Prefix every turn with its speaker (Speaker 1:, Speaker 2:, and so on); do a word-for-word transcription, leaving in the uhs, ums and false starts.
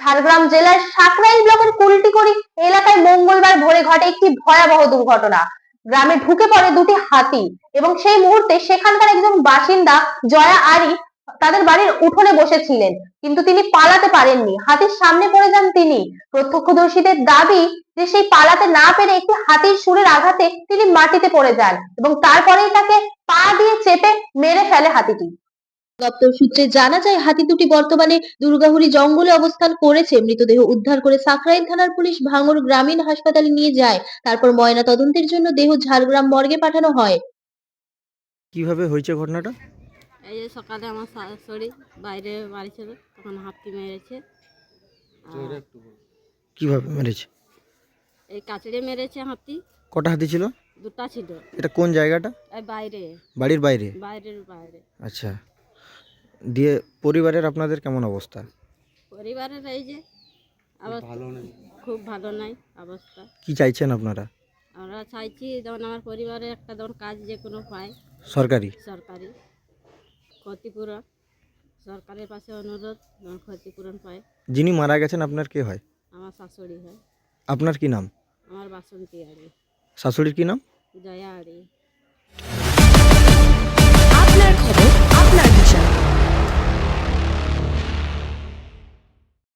Speaker 1: ঝাড়গ্রাম জেলার সাকরাইল ব্লকের কুলটিকড়ি এলাকায় মঙ্গলবার ভোরে ঘটে একটি ভয়াবহ দুর্ঘটনা। গ্রামে ঢুকে পড়ে দুটি হাতি এবং সেই মুহূর্তে সেখানকার একজন বাসিন্দা জয়া আরি তাদের বাড়ির উঠোনে বসেছিলেন, কিন্তু তিনি পালাতে পারেননি। হাতির সামনে পড়ে যান তিনি। প্রত্যক্ষদর্শীদের দাবি যে সেই পালাতে না পেরে একটি হাতির শুঁড়ের আঘাতে তিনি মাটিতে পড়ে যান এবং তারপরেই তাকে পা দিয়ে চেপে মেরে ফেলে হাতিটি। দপ্তর সূত্রে জানা যায়, হাতি দুটি বর্তমানে দুর্গাহুড়ি জঙ্গলে অবস্থান করেছে। মৃতদেহ উদ্ধার করে সাকরাইল থানার পুলিশ ভাঙড় গ্রামীণ হাসপাতালে নিয়ে যায়। তারপর ময়না তদন্তের জন্য দেহ ঝাড়গ্রাম মর্গে পাঠানো হয়।
Speaker 2: কিভাবে হয়েছে ঘটনাটা?
Speaker 3: এই যে সকালে আমার শাশুড়ি বাইরে বাড়ি ছিল, তখন হাতি মেরেছে।
Speaker 2: কিভাবে মেরেছে?
Speaker 3: এই কাচড়ে মেরেছে হাতি।
Speaker 2: কটা হাতি ছিল?
Speaker 3: দুটা ছিল।
Speaker 2: এটা কোন জায়গাটা?
Speaker 3: এই বাইরে,
Speaker 2: বাড়ির বাইরে?
Speaker 3: বাইরের বাইরে।
Speaker 2: আচ্ছা, দিয়ে পরিবারের আপনাদের কেমন অবস্থা?
Speaker 3: পরিবারের এই যে অবস্থা খুব ভালো নাই অবস্থা।
Speaker 2: কি চাইছেন আপনারা?
Speaker 3: আমরা চাইছি যেমন আমার পরিবারে একটা যেমন কাজ যে কোনো পায়,
Speaker 2: সরকারি
Speaker 3: সরকারি ক্ষতিপূরণ, সরকারের পাশে অনুরোধ যেমন ক্ষতিপূরণ পায়।
Speaker 2: যিনি মারা গেছেন আপনার কে হয়?
Speaker 3: আমার শাশুড়ি হয়।
Speaker 2: আপনার কি নাম?
Speaker 3: আমার বাসন্তী আড়ি।
Speaker 2: শাশুড়ির কি নাম?
Speaker 3: জয়া আড়ি।